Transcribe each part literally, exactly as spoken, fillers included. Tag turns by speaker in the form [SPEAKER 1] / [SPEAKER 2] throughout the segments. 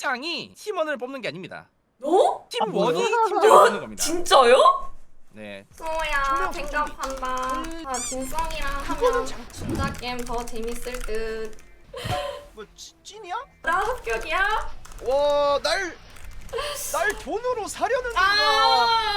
[SPEAKER 1] 팀장이 팀원을 뽑는 게 아닙니다.
[SPEAKER 2] 너?
[SPEAKER 1] 팀원이
[SPEAKER 3] 아,
[SPEAKER 1] 팀장을 뽑는 겁니다.
[SPEAKER 2] 진짜요?
[SPEAKER 1] 네.
[SPEAKER 4] 수호야 뱅갑한다. 아 진성이랑 하면 준자 게임 더 재밌을 듯.
[SPEAKER 3] 뭐 찐- 찐이야?
[SPEAKER 4] 나 합격이야?
[SPEAKER 3] 와, 날, 날 돈으로 사려는 건가?
[SPEAKER 4] 아.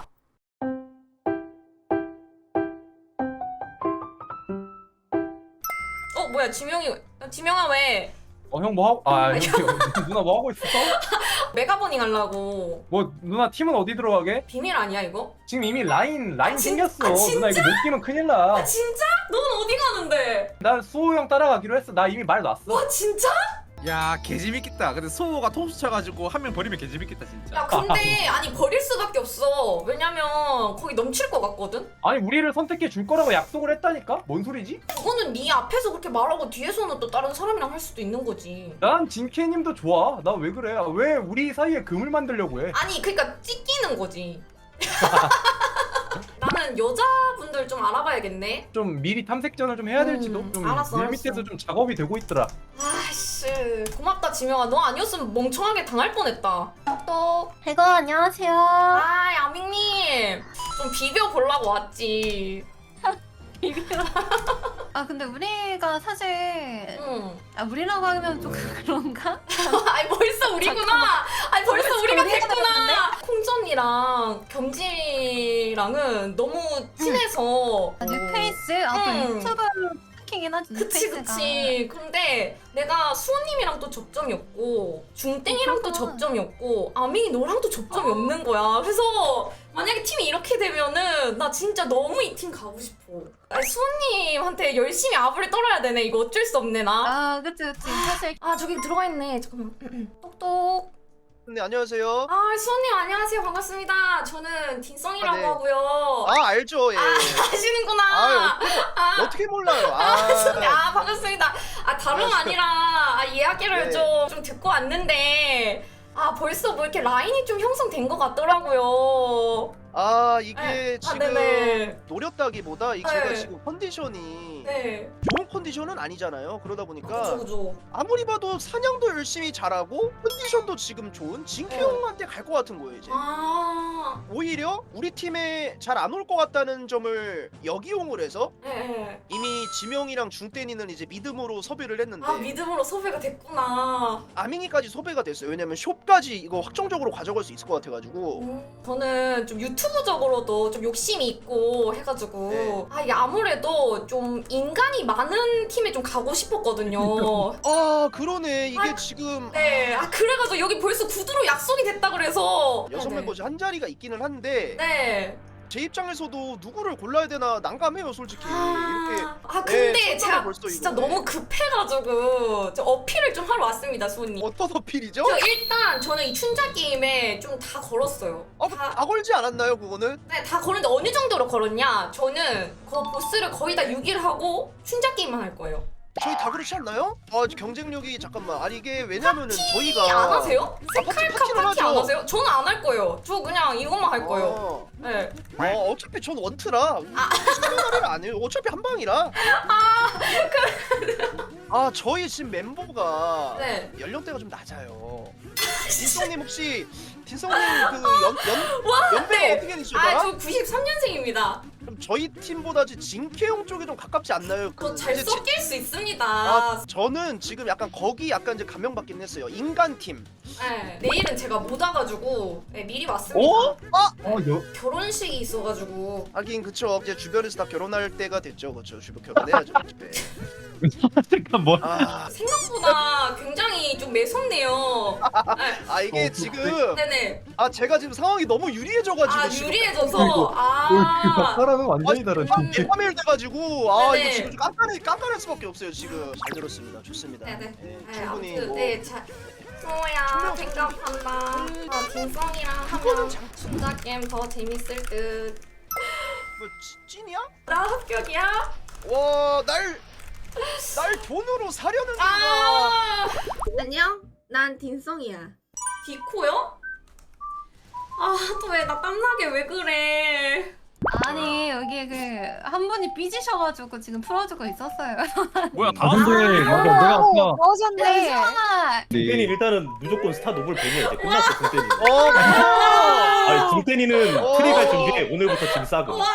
[SPEAKER 4] 어 뭐야 지명이 지명아 왜
[SPEAKER 5] 어 형 뭐 하고 아 형, 누나 뭐 하고 있어?
[SPEAKER 4] 메가버닝 하려고?
[SPEAKER 5] 뭐 누나 팀은 어디 들어가게?
[SPEAKER 4] 비밀 아니야 이거?
[SPEAKER 5] 지금 이미 라인 라인
[SPEAKER 4] 아, 진-
[SPEAKER 5] 생겼어.
[SPEAKER 4] 아, 진짜?
[SPEAKER 5] 누나 이거 못 끼면 큰일 나.
[SPEAKER 4] 아 진짜? 넌 어디 가는데?
[SPEAKER 5] 난 수호 형 따라가기로 했어. 나 이미 말 놨어.
[SPEAKER 4] 와 진짜?
[SPEAKER 1] 야 개재밌겠다. 근데 소호가 토스 쳐가지고 한 명 버리면 개재밌겠다 진짜.
[SPEAKER 4] 야 근데 아니 버릴 수밖에 없어. 왜냐면 거기 넘칠 것 같거든?
[SPEAKER 5] 아니 우리를 선택해 줄 거라고 약속을 했다니까? 뭔 소리지?
[SPEAKER 4] 그거는 네 앞에서 그렇게 말하고 뒤에서는 또 다른 사람이랑 할 수도 있는 거지.
[SPEAKER 5] 난 진케님도 좋아. 나 왜 그래? 왜 우리 사이에 금을 만들려고 해?
[SPEAKER 4] 아니 그러니까 찢기는 거지. 나는 여자분들 좀 알아봐야겠네.
[SPEAKER 5] 좀 미리 탐색전을 좀 해야 될지도
[SPEAKER 4] 음,
[SPEAKER 5] 좀
[SPEAKER 4] 알았어,
[SPEAKER 5] 밀밑에서
[SPEAKER 4] 알았어.
[SPEAKER 5] 좀 작업이 되고 있더라.
[SPEAKER 4] 아이씨 고맙다 지명아. 너 아니었으면 멍청하게 당할 뻔했다. 또
[SPEAKER 6] 이거 안녕하세요.
[SPEAKER 4] 아 야밍님 좀 비벼보려고 왔지.
[SPEAKER 6] 아 근데 우리가 사실
[SPEAKER 4] 응.
[SPEAKER 6] 아 우리라고 하면 좀 그런가?
[SPEAKER 4] 아니 벌써 우리구나. 아니 벌써
[SPEAKER 6] 벌써
[SPEAKER 4] 우리가
[SPEAKER 6] 우리가
[SPEAKER 4] 됐구나. 콩전이랑 경지랑은 너무 친해서.
[SPEAKER 6] 아, 뉴페이스 아또
[SPEAKER 4] 음.
[SPEAKER 6] 유튜브 스타킹이긴 하지.
[SPEAKER 4] 그치
[SPEAKER 6] 뉴페이스가.
[SPEAKER 4] 그치. 근데 내가 수호님이랑 또 접점이었고 중땡이랑 또
[SPEAKER 6] 그렇구나.
[SPEAKER 4] 접점이었고 아밍이 너랑 또 접점이 없는 거야. 그래서 만약에 팀이 이렇게 되면은 나 진짜 너무 이 팀 가고 싶어. 아니, 수호님한테 열심히 아부를 떨어야 되네. 이거 어쩔 수 없네 나.
[SPEAKER 6] 아 그치 그치 사실
[SPEAKER 4] 아 저기 들어가 있네. 잠깐만. 똑똑.
[SPEAKER 3] 네, 안녕하세요.
[SPEAKER 4] 아 수호님 안녕하세요. 반갑습니다. 저는 딘성이라고
[SPEAKER 3] 아, 네.
[SPEAKER 4] 하고요.
[SPEAKER 3] 아, 알죠, 예.
[SPEAKER 4] 아, 아시는구나.
[SPEAKER 3] 아유,
[SPEAKER 4] 아,
[SPEAKER 3] 어떻게 몰라요?
[SPEAKER 4] 아,
[SPEAKER 3] 아,
[SPEAKER 4] 아 반갑습니다. 아 다름 아니라 아, 이야기를
[SPEAKER 3] 네.
[SPEAKER 4] 좀, 좀 듣고 왔는데 아 벌써 뭐 이렇게 라인이 좀 형성된 것 같더라고요.
[SPEAKER 3] 아, 이게
[SPEAKER 4] 네. 아,
[SPEAKER 3] 지금
[SPEAKER 4] 네네.
[SPEAKER 3] 노렸다기보다 이
[SPEAKER 4] 네.
[SPEAKER 3] 제가 지금 컨디션이
[SPEAKER 4] 네.
[SPEAKER 3] 좋은 컨디션은 아니잖아요. 그러다 보니까
[SPEAKER 4] 그죠 그죠.
[SPEAKER 3] 아무리 봐도 사냥도 열심히 잘하고 컨디션도 지금 좋은 진키
[SPEAKER 4] 네.
[SPEAKER 3] 형한테 갈 것 같은 거예요, 이제.
[SPEAKER 4] 아.
[SPEAKER 3] 오히려 우리 팀에 잘 안 올 것 같다는 점을 역이용을 해서
[SPEAKER 4] 네, 네.
[SPEAKER 3] 이미 지명이랑 중대니는 이제 믿음으로 섭외를 했는데
[SPEAKER 4] 아 믿음으로 섭외가 됐구나.
[SPEAKER 3] 아밍이까지 섭외가 됐어요. 왜냐면 숍까지 이거 확정적으로 가져갈 수 있을 것 같아가지고.
[SPEAKER 4] 음, 저는 좀 유튜브적으로도 좀 욕심이 있고 해가지고
[SPEAKER 3] 네.
[SPEAKER 4] 아 이게 아무래도 좀 인간이 많은 팀에 좀 가고 싶었거든요.
[SPEAKER 3] 아, 그러네. 이게
[SPEAKER 4] 아,
[SPEAKER 3] 지금
[SPEAKER 4] 네, 아 그래가지고 여기 벌써 구두로 약속이 됐다 그래서
[SPEAKER 3] 여섯
[SPEAKER 4] 네네.
[SPEAKER 3] 멤버 한 자리가 있기는 한데
[SPEAKER 4] 네.
[SPEAKER 3] 제 입장에서도 누구를 골라야 되나 난감해요, 솔직히. 이렇게
[SPEAKER 4] 아, 아 근데
[SPEAKER 3] 네, 첫
[SPEAKER 4] 제가
[SPEAKER 3] 벌써
[SPEAKER 4] 진짜
[SPEAKER 3] 이거.
[SPEAKER 4] 너무 급해가지고 저 어필을 좀 하러 왔습니다, 수호님.
[SPEAKER 3] 어떤 어필이죠?
[SPEAKER 4] 저 일단 저는 이 춘자 게임에 좀 다 걸었어요.
[SPEAKER 3] 아,
[SPEAKER 4] 다,
[SPEAKER 3] 다 걸지 않았나요, 그거는?
[SPEAKER 4] 네, 다 걸었는데 어느 정도로 걸었냐? 저는 그 보스를 거의 다 육 일 하고 춘자 게임만 할 거예요.
[SPEAKER 3] 저희 다 그렇지 않나요? 아, 경쟁력이 잠깐만. 아니 이게 왜냐면은
[SPEAKER 4] 파티
[SPEAKER 3] 저희가
[SPEAKER 4] 안 하세요?
[SPEAKER 3] 아, 파티,
[SPEAKER 4] 색깔카
[SPEAKER 3] 파티는
[SPEAKER 4] 파티 안
[SPEAKER 3] 하죠.
[SPEAKER 4] 하세요? 저는 안 할 거예요. 저 그냥 이것만 할 거예요.
[SPEAKER 3] 어,
[SPEAKER 4] 네.
[SPEAKER 3] 어, 어차피 전 원트라. 신경을 안 해요. 어차피 한 방이라. 아, 저희 지금 멤버가
[SPEAKER 4] 네.
[SPEAKER 3] 연령대가 좀 낮아요. 딘성님 혹시 딘성님 그연연 연배가
[SPEAKER 4] 네.
[SPEAKER 3] 어떻게 되시더라?
[SPEAKER 4] 아, 저 구십삼 년생입니다.
[SPEAKER 3] 그럼 저희 팀보다 진케용 쪽이 좀 가깝지 않나요? 그
[SPEAKER 4] 더 잘
[SPEAKER 3] 이제 지-
[SPEAKER 4] 섞일 수 있습니다.
[SPEAKER 3] 아, 저는 지금 약간 거기 약간 이제 감명받긴 했어요. 인간 팀.
[SPEAKER 4] 네. 내일은 제가 못 와가지고 네, 미리 왔습니다.
[SPEAKER 3] 어? 아,
[SPEAKER 5] 어 여.
[SPEAKER 4] 결혼식이 있어가지고
[SPEAKER 3] 하긴 그쵸. 이제 주변에서 다 결혼할 때가 됐죠. 그쵸. 주변 결혼해야죠. 네.
[SPEAKER 5] 잠깐 뭐?
[SPEAKER 3] 아,
[SPEAKER 4] 생각보다 굉장히 좀 매섭네요. 네.
[SPEAKER 3] 아 이게
[SPEAKER 5] 어,
[SPEAKER 3] 지금
[SPEAKER 4] 네네.
[SPEAKER 3] 아 제가 지금 상황이 너무 유리해져가지고
[SPEAKER 4] 아
[SPEAKER 3] 지금
[SPEAKER 4] 유리해져서
[SPEAKER 5] 이거,
[SPEAKER 4] 아.
[SPEAKER 5] 사람은 완전히 다른 진짜.
[SPEAKER 3] 삼 일 돼가지고 아
[SPEAKER 4] 네네.
[SPEAKER 3] 이거 지금 좀 깐깐해 깐깐할 수밖에 없어요 지금. 잘 들었습니다. 좋습니다.
[SPEAKER 4] 네네.
[SPEAKER 3] 네,
[SPEAKER 4] 네,
[SPEAKER 3] 충분히
[SPEAKER 4] 아무튼
[SPEAKER 3] 뭐
[SPEAKER 4] 네, 자, 수호야 뱅갑한다. 아, 딘성이랑 하면 준자 게임 더 재밌을 듯.
[SPEAKER 3] 뭐 찐- 찐이야?
[SPEAKER 4] 나 합격이야?
[SPEAKER 3] 와, 날, 날 돈으로 사려는 건가?
[SPEAKER 4] 아,
[SPEAKER 7] 안녕? 난 딘성이야.
[SPEAKER 4] 디코요? 아, 또 왜 나 땀나게 왜 그래?
[SPEAKER 6] 아니 여기 그 한 분이 삐지셔가지고 지금 풀어주고 있었어요.
[SPEAKER 1] 뭐야
[SPEAKER 5] 아 근데 맞아 내가 아까
[SPEAKER 6] 네. 수원아.
[SPEAKER 2] 중대니 일단은 무조건 스타 노블 보면 이제 끝났어 중대니.
[SPEAKER 3] 어,
[SPEAKER 2] 아니 중대니는
[SPEAKER 3] 어.
[SPEAKER 2] 트리 갈 준비해. 오늘부터 짐 싸고.
[SPEAKER 3] 와.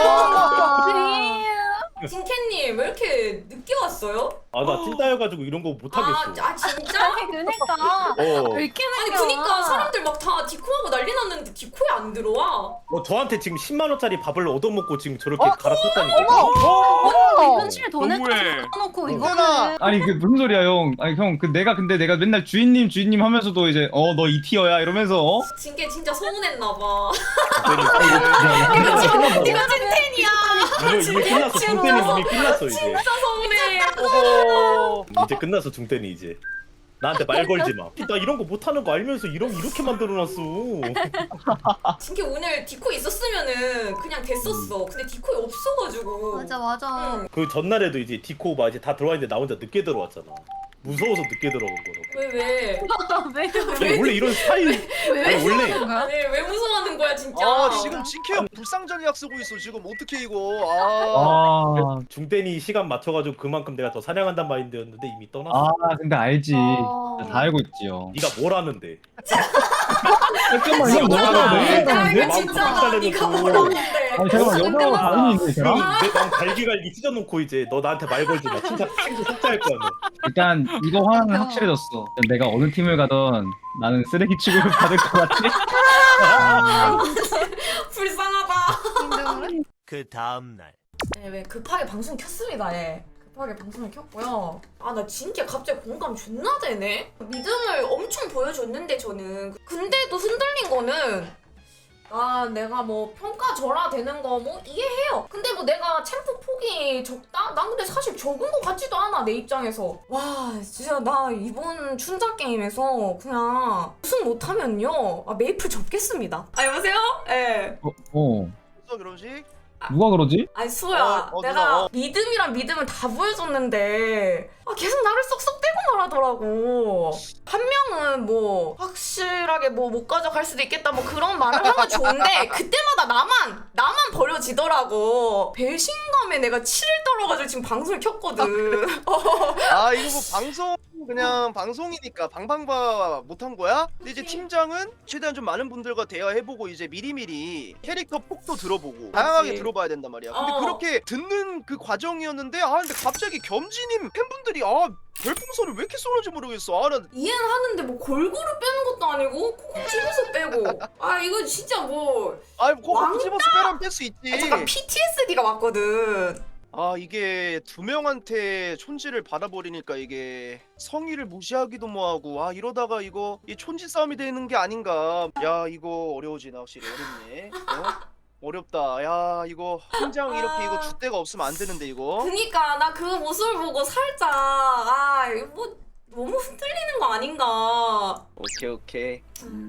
[SPEAKER 4] 진캐님 왜 이렇게 늦게 왔어요?
[SPEAKER 2] 아 나 찐따여가지고 이런 거 못
[SPEAKER 4] 아,
[SPEAKER 2] 하겠어.
[SPEAKER 4] 아 진짜?
[SPEAKER 6] 그니까
[SPEAKER 2] 어.
[SPEAKER 6] 왜 이렇게
[SPEAKER 4] 아니
[SPEAKER 6] 늦게
[SPEAKER 4] 그니까
[SPEAKER 6] 와?
[SPEAKER 4] 사람들 막 다 디코하고 난리 났는데 디코에 안 들어와.
[SPEAKER 2] 뭐 저한테 지금 십만 원짜리 밥을 얻어먹고 지금 저렇게
[SPEAKER 3] 어?
[SPEAKER 2] 갈아탔다니까.
[SPEAKER 6] 어, 현실 돈
[SPEAKER 1] 너무해.
[SPEAKER 6] 내고 놓고
[SPEAKER 3] 누나.
[SPEAKER 6] 이거는
[SPEAKER 5] 아니 그 무슨 소리야 형? 아니 형 그 내가 근데 내가 맨날 주인님 주인님 하면서도 이제 어 너 이 티어야 이러면서 어?
[SPEAKER 4] 진캐 진짜 서운했나봐.
[SPEAKER 2] 이거
[SPEAKER 4] 이거 찐텐이야.
[SPEAKER 2] 이미 끝났어. 중대니 이미 끝났어 이제.
[SPEAKER 4] 진짜 서운해.
[SPEAKER 3] 어허.
[SPEAKER 2] 이제 끝났어 중대니 이제. 나한테 말 걸지 마. 나 이런 거 못하는 거 알면서 이런 이렇게 만들어놨어.
[SPEAKER 4] 진캐 오늘 디코 있었으면은 그냥 됐었어. 근데 디코에 없어가지고.
[SPEAKER 6] 맞아 맞아.
[SPEAKER 4] 응.
[SPEAKER 2] 그 전날에도 이제 디코 막 이제 다 들어와 있는데 나 혼자 늦게 들어왔잖아. 무서워서 늦게 들어간 거라고.
[SPEAKER 4] 왜 왜?
[SPEAKER 6] 왜
[SPEAKER 2] 아니, 원래 이런 스타일. 아니 원래
[SPEAKER 4] 아니 왜 무서워하는 거야 진짜?
[SPEAKER 3] 아 지금 진캐 형 불상 전략 쓰고 있어 지금 어떻게 이거? 아.
[SPEAKER 5] 아,
[SPEAKER 2] 중대니 시간 맞춰가지고 그만큼 내가 더 사냥한단 마인드였는데 이미 떠났어.
[SPEAKER 5] 아 근데 알지.
[SPEAKER 6] 어.
[SPEAKER 5] 다 알고 있지요.
[SPEAKER 2] 네가 뭘 하는데?
[SPEAKER 5] 잠깐만 형
[SPEAKER 2] 뭐야,
[SPEAKER 5] 너가
[SPEAKER 2] 왜?
[SPEAKER 5] 너무
[SPEAKER 4] 아
[SPEAKER 5] 잘하는데?
[SPEAKER 4] 이거 진짜
[SPEAKER 2] 마음
[SPEAKER 4] 네가
[SPEAKER 2] 깜짝
[SPEAKER 4] 뭐라는데?
[SPEAKER 5] 아니 잠깐만 여자가 다른이 있네
[SPEAKER 2] 그럼
[SPEAKER 5] 쟤랑?
[SPEAKER 2] 내방 갈기갈기 찢어놓고 이제 너 나한테 말 걸지 마. 진짜 친구 속자일 거야 너.
[SPEAKER 5] 일단 이거 하나는 확실해졌어. 내가 어느 팀을 가던 나는 쓰레기 취급을 받을 것 같지?
[SPEAKER 4] 불쌍하다.
[SPEAKER 8] 그 다음날
[SPEAKER 4] 네, 왜 급하게 방송 켰습니다. 예. 급하게 방송을 켰고요. 아 나 진짜 갑자기 공감 존나 되네. 믿음을 엄청 보여줬는데 저는 근데도 흔들린 거는 아 내가 뭐 평가절하되는 거 뭐 이해해요. 근데 뭐 내가 챔프 폭이 적다? 난 근데 사실 적은 거 같지도 않아 내 입장에서. 와 진짜 나 이번 춘자 게임에서 그냥 우승 못하면요 아 메이플 접겠습니다. 아 여보세요? 예.
[SPEAKER 5] 어, 어.
[SPEAKER 3] 무슨 결혼식?
[SPEAKER 5] 누가 그러지?
[SPEAKER 4] 아니 수호야
[SPEAKER 3] 어, 어,
[SPEAKER 4] 내가
[SPEAKER 3] 누나, 어.
[SPEAKER 4] 믿음이랑 믿음을 다 보여줬는데 아, 계속 나를 쏙쏙대고 말하더라고. 한 명은 뭐 확실하게 뭐 못 가져갈 수도 있겠다 뭐 그런 말을 하면 좋은데 그때마다 나만 나만 버려지더라고. 배신감에 내가 치를 떨어가지고 지금 방송을 켰거든.
[SPEAKER 3] 아 이거 뭐 방송 그냥 방송이니까 방방바 못한 거야? 근데 이제 팀장은 최대한 좀 많은 분들과 대화해보고 이제 미리미리 캐릭터 폭도 들어보고 다양하게 들어봐야 된단 말이야. 근데
[SPEAKER 4] 어.
[SPEAKER 3] 그렇게 듣는 그 과정이었는데 아 근데 갑자기 겸지님 팬분들이 아 별풍선을 왜 이렇게 쏘는지 모르겠어. 아 나
[SPEAKER 4] 이해는 하는데 뭐 골고루 빼는 것도 아니고 콕콕 집어서 빼고 아 이거 진짜 뭐
[SPEAKER 3] 아이 코
[SPEAKER 4] 왕따?
[SPEAKER 3] 집어서 빼라면 뺄 수 있지.
[SPEAKER 4] 아, 잠깐 피티에스디가 왔거든.
[SPEAKER 3] 아 이게 두 명한테 촌지를 받아버리니까 이게 성의를 무시하기도 뭐하고 아 이러다가 이거 이 촌지 싸움이 되는 게 아닌가. 야 이거 어려워지나 확실히 어렵네. 어? 어렵다. 야 이거 팀장 이렇게 이거 줏대가 없으면 안 되는데 이거.
[SPEAKER 4] 그니까 나 그 모습을 보고 살짝 아 이거 뭐 너무 흔들리는 거 아닌가.
[SPEAKER 3] 오케이 오케이.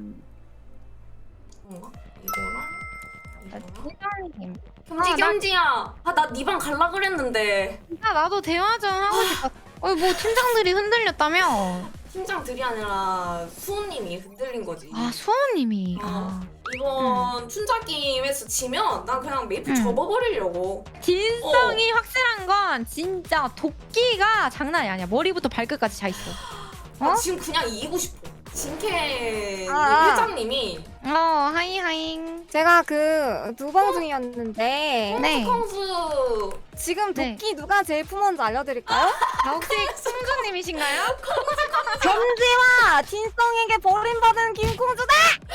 [SPEAKER 4] 뭔가 이거랑 이거랑
[SPEAKER 9] 팀장님.
[SPEAKER 4] 겸지
[SPEAKER 9] 아, 나-
[SPEAKER 4] 겸지야. 아 나 네 방 갈라 그랬는데
[SPEAKER 9] 아, 나도 대화 좀 하고 싶어. 어, 뭐 팀장들이 흔들렸다며?
[SPEAKER 4] 팀장들이 아니라 수호님이 흔들린 거지.
[SPEAKER 9] 아, 수호님이.
[SPEAKER 4] 어.
[SPEAKER 9] 아.
[SPEAKER 4] 이번 춘자 게임에서 지면 난 그냥 메이플
[SPEAKER 9] 응.
[SPEAKER 4] 접어버리려고.
[SPEAKER 9] 진성이 확실한 건 진짜 도끼가 장난이 아니야. 머리부터 발끝까지 차 있어.
[SPEAKER 4] 나
[SPEAKER 9] 어?
[SPEAKER 4] 지금 그냥 이기고 싶어. 진캐
[SPEAKER 9] 아, 아.
[SPEAKER 4] 회장님이
[SPEAKER 9] 어, 하이 하이.
[SPEAKER 10] 제가 그 두방 중이었는데
[SPEAKER 9] 네.
[SPEAKER 4] 콩수
[SPEAKER 10] 지금
[SPEAKER 9] 네.
[SPEAKER 10] 도끼 누가 제일 품었는지 알려드릴까요?
[SPEAKER 9] 아, 혹시 콩주님이신가요?
[SPEAKER 10] 겸지와 진성에게 버림받은 김콩주다!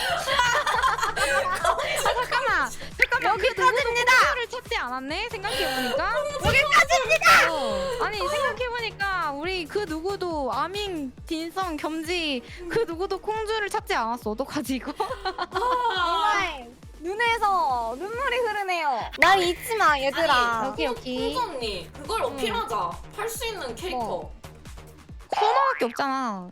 [SPEAKER 9] 아, 잠깐만. 잠깐만.
[SPEAKER 10] 여기까지입니다!
[SPEAKER 9] 콩주를 찾지 않았네? 생각해보니까. 여기까지입니다! 어. 아니, 생각해보니까 우리 그 누구도 아밍, 딘성, 겸지 그 누구도 콩주를 찾지 않았어. 어떡하지 이거?
[SPEAKER 10] 정말 눈에서 눈물이 흐르네요. 날 잊지 마 얘들아.
[SPEAKER 4] 아니,
[SPEAKER 9] 여기, 여기.
[SPEAKER 4] 콩수 언니 그걸 어필하자. 할 수 있는 캐릭터.
[SPEAKER 9] 뭐. 코너밖에 없잖아.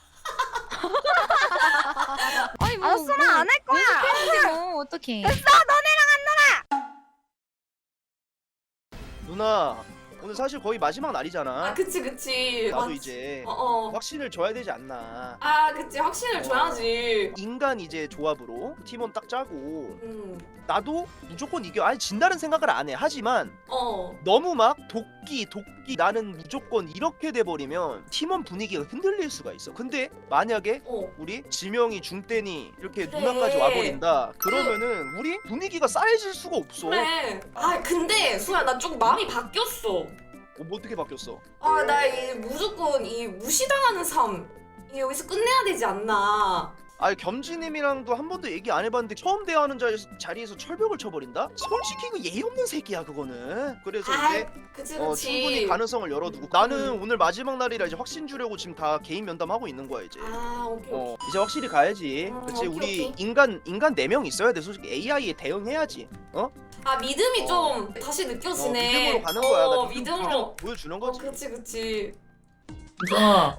[SPEAKER 9] 아니 뭐
[SPEAKER 10] 알았어 나 안 할 거야.
[SPEAKER 9] 연습해야지 뭐 어떡해.
[SPEAKER 10] 됐어 너네랑 안 놀아. 누나
[SPEAKER 3] 오늘 사실 거의 마지막 날이잖아.
[SPEAKER 4] 아 그치 그치.
[SPEAKER 3] 나도
[SPEAKER 4] 맞-
[SPEAKER 3] 이제
[SPEAKER 4] 어 어.
[SPEAKER 3] 확신을 줘야 되지 않나.
[SPEAKER 4] 아 그치 확신을 줘야지.
[SPEAKER 3] 인간 이제 조합으로 팀원 딱 짜고
[SPEAKER 4] 음.
[SPEAKER 3] 나도 무조건 이겨. 아니 진다는 생각을 안 해. 하지만
[SPEAKER 4] 어.
[SPEAKER 3] 너무 막 도끼 도끼 나는 무조건 이렇게 돼버리면 팀원 분위기가 흔들릴 수가 있어. 근데 만약에
[SPEAKER 4] 어.
[SPEAKER 3] 우리 지명이 중대니 이렇게
[SPEAKER 4] 그래.
[SPEAKER 3] 누나까지 와버린다 그러면은 우리 분위기가 쌓여질 수가 없어.
[SPEAKER 4] 그래. 아 근데 수야 나 좀 마음이 바뀌었어.
[SPEAKER 3] 어, 뭐 어떻게 바뀌었어?
[SPEAKER 4] 아 나 이 무조건 이 무시당하는 삶 이게 여기서 끝내야 되지 않나.
[SPEAKER 3] 아니 겸지님이랑도 한 번도 얘기 안 해봤는데 처음 대화하는 자리에서, 자리에서 철벽을 쳐버린다? 솔직히 그 예의 없는 새끼야 그거는. 그래서
[SPEAKER 4] 아
[SPEAKER 3] 이제
[SPEAKER 4] 그치
[SPEAKER 3] 어,
[SPEAKER 4] 그치.
[SPEAKER 3] 충분히 가능성을 열어두고 나는 오늘 마지막 날이라 이제 확신 주려고 지금 다 개인 면담하고 있는 거야 이제.
[SPEAKER 4] 아 오케이.
[SPEAKER 3] 어 이제 확실히 가야지.
[SPEAKER 4] 어,
[SPEAKER 3] 그치
[SPEAKER 4] 오케이,
[SPEAKER 3] 우리
[SPEAKER 4] 오케이.
[SPEAKER 3] 인간 인간 네 명 있어야 돼. 솔직히 에이아이에 대응해야지. 어?
[SPEAKER 4] 아 믿음이
[SPEAKER 3] 어.
[SPEAKER 4] 좀 다시
[SPEAKER 3] 어
[SPEAKER 4] 느껴지네.
[SPEAKER 3] 믿음으로 가는 거야.
[SPEAKER 4] 어
[SPEAKER 3] 나 믿음
[SPEAKER 4] 믿음으로.
[SPEAKER 3] 보여주는
[SPEAKER 4] 어
[SPEAKER 3] 거지.
[SPEAKER 4] 그치 그치.
[SPEAKER 5] 아,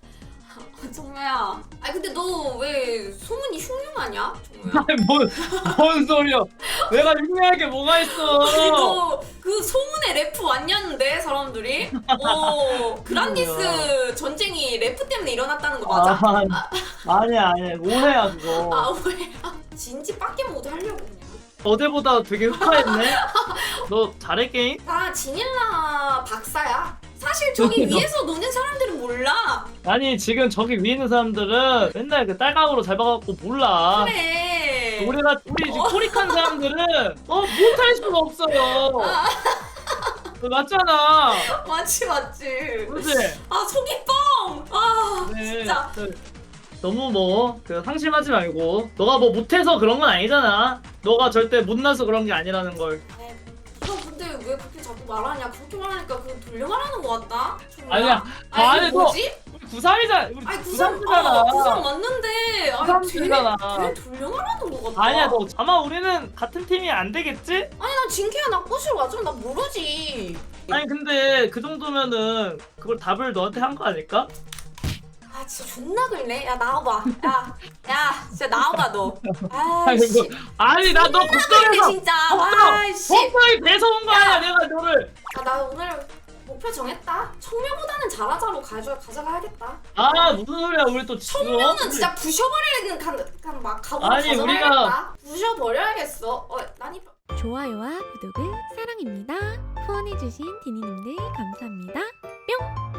[SPEAKER 4] 정우야. 아 근데 너 왜 소문이 흉흉하냐? 정우야.
[SPEAKER 5] 아니 뭔, 뭔 소리야? 내가 흉내할 게 뭐가 있어?
[SPEAKER 4] 너 그 소문의 래프 왔냐는데 사람들이? 어 그란디스 전쟁이 래프 때문에 일어났다는 거 맞아?
[SPEAKER 8] 아, 아니야 아니야 오해야 그거.
[SPEAKER 4] 아 뭐야? 진지 빡게 모드 하려고 그냥.
[SPEAKER 8] 어제보다 되게 흑화했네. 너 잘해 게임?
[SPEAKER 4] 나 지닐라 박사야. 사실 저기
[SPEAKER 8] 너-
[SPEAKER 4] 위에서 노는 사람들은 몰라.
[SPEAKER 8] 아니 지금 저기 위에 있는 사람들은 맨날 그 딸각으로 잘 봐갖고 몰라.
[SPEAKER 4] 그래.
[SPEAKER 8] 우리가 우리 지금 코릭한 사람들은 어 못할 수가 없어요.
[SPEAKER 4] 아.
[SPEAKER 8] 너 맞잖아.
[SPEAKER 4] 맞지 맞지.
[SPEAKER 8] 그렇지?
[SPEAKER 4] 아 속이 뻥. 아
[SPEAKER 8] 네.
[SPEAKER 4] 진짜.
[SPEAKER 8] 그, 너무 뭐그 상심하지 말고 너가 뭐 못해서 그런 건 아니잖아. 너가 절대 못나서 그런 게 아니라는 걸.
[SPEAKER 4] 너 근데 왜 그렇게 자꾸 말하냐? 그렇게 말하니까 그거 돌려 말하는 거 같다. 정우야.
[SPEAKER 8] 아니야.
[SPEAKER 4] 아니
[SPEAKER 8] 아니,
[SPEAKER 4] 이게
[SPEAKER 8] 너-
[SPEAKER 4] 뭐지?
[SPEAKER 8] 우리 구삼이잖아. 우리
[SPEAKER 4] 아니 구상
[SPEAKER 8] 구삼이잖아.
[SPEAKER 4] 어, 구상 맞는데. 아니
[SPEAKER 8] 구삼이잖아.
[SPEAKER 4] 되게 돌려 말하는 거 같다.
[SPEAKER 8] 아니야 너 아마 우리는 같은 팀이 안 되겠지?
[SPEAKER 4] 아니 난 진캐야 나 꼬시러 가좀 나 모르지.
[SPEAKER 8] 아니 근데 그 정도면은 그걸 답을 너한테 한 거 아닐까?
[SPEAKER 4] 아 진짜 존나 글래. 야 나와봐. 야, 야 진짜 나와봐 너.
[SPEAKER 8] 아니,
[SPEAKER 4] 아이씨.
[SPEAKER 8] 뭐, 아니 나 너
[SPEAKER 4] 근데
[SPEAKER 8] 걱정해서
[SPEAKER 4] 진짜.
[SPEAKER 8] 걱정!
[SPEAKER 4] 아이씨.
[SPEAKER 8] 걱정이 돼서 온 거 아니야 내가 너를.
[SPEAKER 4] 아, 나 오늘 목표 정했다. 청명보다는 잘하자로 가져 가져가야겠다.
[SPEAKER 8] 아 무슨 소리야 우리 또 지금
[SPEAKER 4] 청명은 진짜 부셔버리는 간막 각오로
[SPEAKER 8] 아니,
[SPEAKER 4] 가져가야겠다. 부셔버려야겠어. 어, 난이
[SPEAKER 9] 좋아요와 구독을 사랑입니다. 후원해주신 디니님들 감사합니다. 뿅!